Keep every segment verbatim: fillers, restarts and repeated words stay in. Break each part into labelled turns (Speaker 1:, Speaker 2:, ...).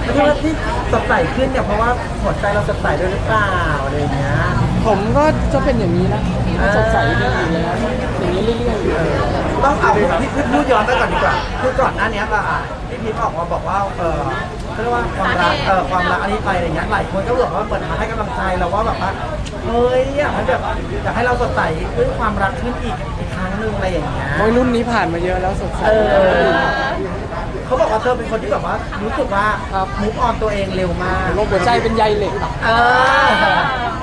Speaker 1: ที่ว่าที่สดใสขึ้นเนี่ยเพราะว่าหัวใจเราสดใสด้วยหรือเปล่าอะไรอย่างเงี้ย
Speaker 2: ผมก็จะเป็นอย่างนี้นะสดใสดีอยู่แล้วอย่างนี้เรื่อยๆอยู่
Speaker 1: ต้องเอาพี่พี่พูดย้อนไปก่อนดีกว่าคือก่อนหน้านี้ป่ะพี่พีทออกมาบอกว่าเออเรียกว่าความรักเออความรักอันนี้ไปอะไรเงี้ยหลายคนก็บอกว่าเหมือนมาให้กำลังใจเราว่าแบบว่าเฮ้ยอยากให้แบบอยากให้เราสดใสด้วยความรักขึ้นอีกอีกครั้งหนึ่งอะไรอย่างเงี้ย
Speaker 2: โอ้ยรุ่นนี้ผ่านมาเยอะแล้วสดใส
Speaker 1: เออเขาบอกว่าเธอเป็นคนที่แบบว่ารู้สึกว่ามุกออนตัวเองเร็วมาก
Speaker 2: โรคหัวใจเป็นใยเหล็ก
Speaker 1: เออ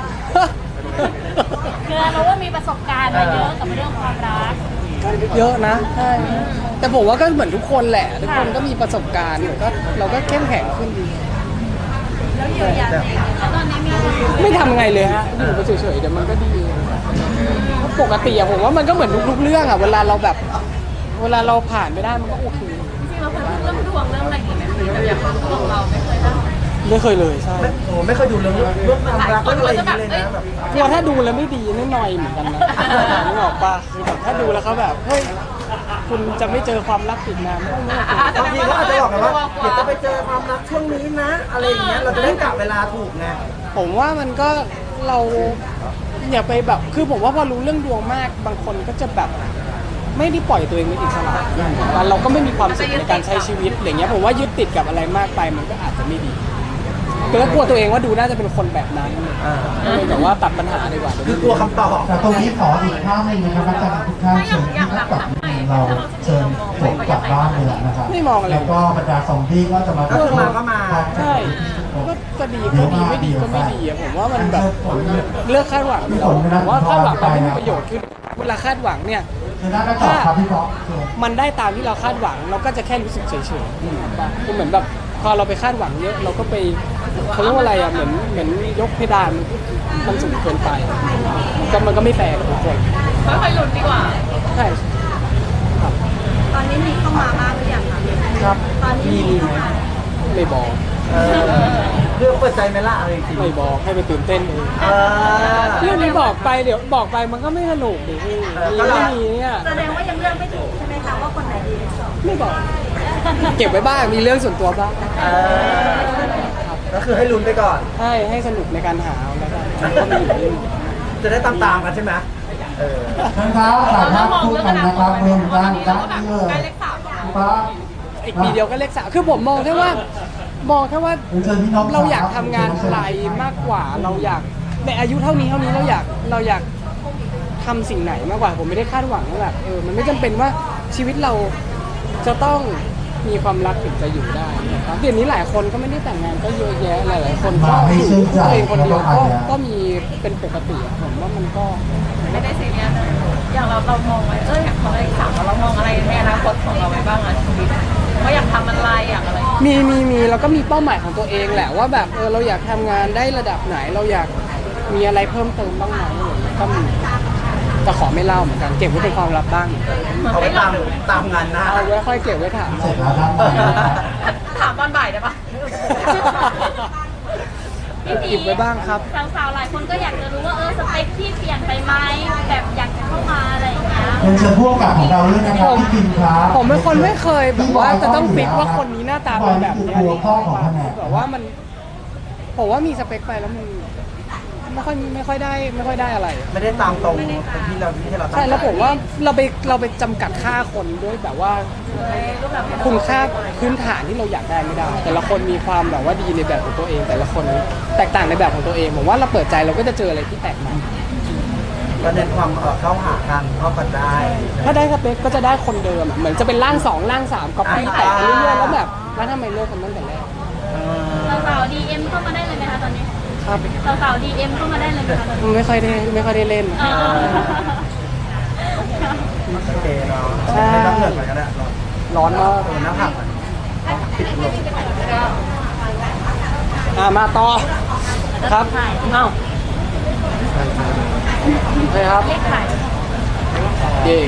Speaker 3: คือเราว่ามีประสบการณ์มาเยอะกับเรื่องความรัก
Speaker 2: เยอะนะใช่แต่ผมว่าก็เหมือนทุกคนแหละทุกคนก็มีประสบการณ์ก็เราก็เข้มแข็งขึ้นดี
Speaker 3: แล้วเยียวยาตัวเองแล้วตอนนี้มี
Speaker 2: ไม่ทำไงเลยฮะอยู่ไปเฉยๆเดี๋ยวมันก็ดีปกติอะผมว่ามันก็เหมือนทุกๆเรื่องอะเวลาเราแบบ เวลาเราผ่านไปได้มันก็โอเค
Speaker 3: จริงๆเราเคยพูดเรื่องดวงเรื่องอะไรอีกไหมแบบอย่างความดวงเราไม่เคยได้
Speaker 2: ไม่เคยเลยใช่
Speaker 1: ไม่โอ้ไม่เคยดูเรื่องเรื่องความรักเรื่องอะไรอย่างนี้เลยนะแบบ
Speaker 2: กลัวถ้าดูแล้วไม่ดีไม่หน่อยเหมือนกันนะนึกออกปะคือแบบถ้าดูแล้วเขาแบบเฮ้ยคุณจะไม่เจอความรักอีกนาน
Speaker 1: บางทีเขาอาจจะบอกกันว่าเดี๋ยวจะไปเจอความรักช่วงนี้นะ อะไรอย่างเงี้ยเราจะได้กะเวลาถูกไง
Speaker 2: ผมว่ามันก็เราอย่าไปแบบคือผมว่าพอรู้เรื่องดวงมากบางคนก็จะแบบไม่ได้ปล่อยตัวเองเป็นอิสระแล้วเราก็ไม่มีความสุขในการใช้ชีวิตอย่างเงี้ยผมว่ายึดติดกับอะไรมากไปมันก็อาจจะไม่ดีก็กลัวตัวเองว่าดูน่าจะเป็นคนแบบนั้นเลยแบบว่าตัดปัญหาดีกว่า
Speaker 1: คือกลัวคำตอบ
Speaker 4: แต่ตรงนี้ขออีกท่าหนึ่งนะครับอาจารย์ทุกท่านเชิญที่นักกลับเราเชิญผมกลับบ้านเลยนะครับ
Speaker 2: ไม่มองอะไร
Speaker 4: แล้วก็บรรดาซอมบี้ก็จะมา
Speaker 1: ก็คือมาก็มา
Speaker 2: ใช่ก็ก็ดีก็ดีไม่ดีก็ไม่ดีอะผมว่ามันแบบเลือกคาดหวังผมว่าคาดหวังมันไม่มีประโยชน์คือเวลาคาดหวังเนี่ย
Speaker 4: คือน่าจะตอบครับพี่ป๊อกเชิญ
Speaker 2: มันได้ตามที่เราคาดหวังเราก็จะแค่รู้สึกเฉยๆคือเหมือนแบบพอเราไปคาดหวังเยอะเราก็ไปเขาเรียกว่าอะไรอ่ะเหมือนเหมือนยกเพดานมันสูงเกินไปก็มันก็ไม่แฟร์กับทุกคน
Speaker 3: ค่อยๆหลุดดีกว่า
Speaker 2: ใช่
Speaker 3: ตอนนี้มีเข้ามาบ้างหรือยังคะ
Speaker 2: ครับ
Speaker 3: ตอนนี้
Speaker 1: มีมีไหม
Speaker 2: ไม่บอก
Speaker 1: เออเรื่องเปิดใจไหมล่ะอะไรจริง
Speaker 2: ไม่บอกให้ไปตื่นเต้นเอง
Speaker 1: เออ
Speaker 2: เรื่องนี้บอกไปเดี๋ยวบอกไปมันก็ไม่สนุกดิพี่มีไม่มีเนี่ย
Speaker 3: แสดงว่ายังเลือกไม่ถูกใช่ไหมคะว่าคนไหนดี
Speaker 2: ไม่บอก เก็บไว้บ้างมีเรื่องส่วนตัวบ้าง
Speaker 1: เออก็คือให้ลุ้นไปก่อน
Speaker 2: ให้ให้สนุกในการหาเอาแล้วกันก็มีอยู่เรื่อง
Speaker 1: จะได้ตามตามๆกันใช่ไหมเออ
Speaker 4: เชิญครับสามท่านพูดกันนะครับเริ่มด้านด้านนี้เลยป๊อก
Speaker 2: อีกปีเดียวก็เลขสามคือผมมองแค่ว่ามองแค่ว่า
Speaker 4: เชิญพี่น้อง
Speaker 2: เราอยากทำงานอะไรมากกว่าเราอยากในอายุเท่านี้เท่านี้เราอยากเราอยากทำสิ่งไหนมากกว่าผมไม่ได้คาดหวังว่าแบบเออมันไม่จำเป็นว่าชีวิตเราจะต้องมีความรักถึงจะอยู่ได้นะครับเดี๋ยวนี้หลายคนก็ไม่ได้แต่งงานก็เยอะแยะหลายๆคนก็อยู่ตัวเองคนเดียวก็ก็มีเป็นปกติอะผมว่ามันก็
Speaker 3: ไม่ได้ซีเรียสเลยอย่างเราเรามองไว้เอออยากทำอะไรสามเรามองอะไรในอนาคตของเราไว้บ้างอะชีวิตว่าอยากทำอะไรอยากอะไร
Speaker 2: มีมีมีแล้วก็มีเป้าหมายของตัวเองแหละว่าแบบเออเราอยากทำงานได้ระดับไหนเราอยากมีอะไรเพิ่มเติมบ้างไหมอะไรอย่างเงี้ยก็มีแต่ขอไม่เล่าเหมือนกันเก็บไว้เป็นความลับบ้าง
Speaker 1: เอาไว้ตามตามงานหน้า
Speaker 2: เอาไว้ค่อยเก็บไว้ถาม
Speaker 4: เสร็จแล้วด้านในนะครับ
Speaker 3: ถามตอนบ่ายได้ปะ พี่พี
Speaker 2: เก็บไว้บ้างครับ
Speaker 3: สาวๆหลายคนก็อยากจะรู้ว่าเออสเปคที่เปลี่ยนไปไหมแบบอยากจะเข้ามาอะไรอย่างเงี้ย
Speaker 4: เรียนเชิญผู้กำกับของเราด้วยนะครับพี่พิมครับ
Speaker 2: ผมเป็นคนไม่เคยแบบว่าจะต้องฟิกว่าคนนี้หน้าตาเป็นแบบเนี้ย
Speaker 4: หัวข้อของแผนก
Speaker 2: แบบว่ามันผมว่ามีสเปคไปแล้วมันไม่ค่อยไม่ค่อยได้ไม่ค่อยได้อะไร
Speaker 1: ไม่ได้ตามตรงที่เราที่เราตั้ง
Speaker 2: ใช่แล้วผมว่าเราไปเราไปจำกัดค่าคนด้วยแบบว่าคุณค่าพื้นฐานที่เราอยากได้ไม่ได้ แต่ละคนมีความแบบว่าดีในแบบของตัวเอง แต่ละคนแตกต่างในแบบของตัวเองผมว่าเราเปิดใจเราก็จะเจออะไรที่แตกต่าง
Speaker 1: ก็เน้นความเอ่อเข้าหากันเข้ากันได้
Speaker 2: ถ้าได้สเปคก็จะได้คนเดิมอะเหมือนจะเป็นร่างสองร่างสามก๊อปปี้แตกไปเรื่อยๆแล้วแบบแล้วทำไมเลิกกันตั้งแต่แรก
Speaker 1: เออ
Speaker 3: สาวๆดีเอ็มเข้ามาได้เลยไหมคะตอนนี้
Speaker 2: ครับ
Speaker 3: สาวๆดีเอ็มเข้ามาได้เลยไหมคะตอนนี้
Speaker 2: ไม่ค่อยได้ไม่ค่อยได้เล่น
Speaker 3: เออ
Speaker 1: โอเคเนาะ
Speaker 2: ใช่
Speaker 1: ไม่ต้องเหนื่อยไปก็ได้
Speaker 2: ร้อนมาก
Speaker 1: โอ้หน้าผักปิดลง
Speaker 2: อ่ามาต่อครับเอ้าโอเคครับ
Speaker 3: เลขขาย
Speaker 2: เย่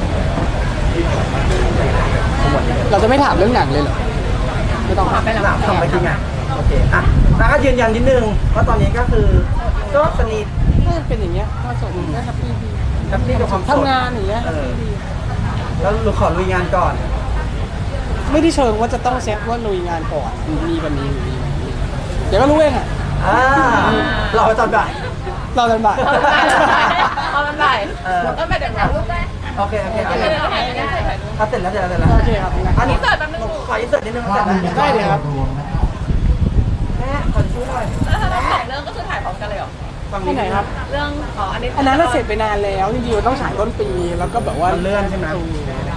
Speaker 2: เราจะไม่ถามเรื่องหนังเลยเหรอไม่ต้องถาม
Speaker 1: หลับทำไปที่ไงโอเคอ่ะแล้วก็ยืนยันนิดนึงว่าตอนนี้ก็คือก็สนิท
Speaker 2: ก็เป็นอย่างเงี้ยก็สมก็แฮปปี้ดี
Speaker 1: แฮปปี้กับความโสด
Speaker 2: ทำงานอย่างเงี้ย
Speaker 1: เออแล้วเราขอลุยงานก่อน
Speaker 2: คไม่ได้เชิงว่าจะต้องเซตว่าลุยงานก่อนมีวันนี้มีวันนี้เดี๋ยวก็รู้เองอ่ะ
Speaker 1: อ่ารอไปตอนบ่าย
Speaker 2: เราเดินบ่าย
Speaker 3: เอามันไป
Speaker 1: เออ
Speaker 3: ก็ไปเดี๋ยวถ่ายรูปได้
Speaker 1: โอเคโอเคโอ
Speaker 3: เดี๋
Speaker 1: เค
Speaker 3: ยวถ่ายรูปได้
Speaker 1: เอาเสร็จแล้วเสร็จแล้วเสร็จแล้ว
Speaker 2: โอเคครับ
Speaker 1: อันนี้
Speaker 3: อินเสิร์ตแป๊บนึง
Speaker 1: ขออินเสิร์ตนิดนึง
Speaker 4: ภา
Speaker 1: เสร็
Speaker 4: พ
Speaker 1: จ
Speaker 4: นี้
Speaker 1: แล้ว
Speaker 4: นะ
Speaker 2: ได้เลยครับ
Speaker 4: รวมนะครับ
Speaker 1: แม่ขอช่วยหน่อย
Speaker 3: แล้วทั้งสองเรื่องก็คือถ่ายพร้อมกันเลยเหรอ
Speaker 1: ฝั่ง
Speaker 2: ที่ไหนครับ
Speaker 3: เรื่องอ๋ออันนี้
Speaker 2: อันนั้นเราเสร็จไปนานแล้วจริงๆเราต้องฉายต้นปีแล้วก็แบบว่า
Speaker 1: มันเลื่อนใช่ไหม
Speaker 2: เ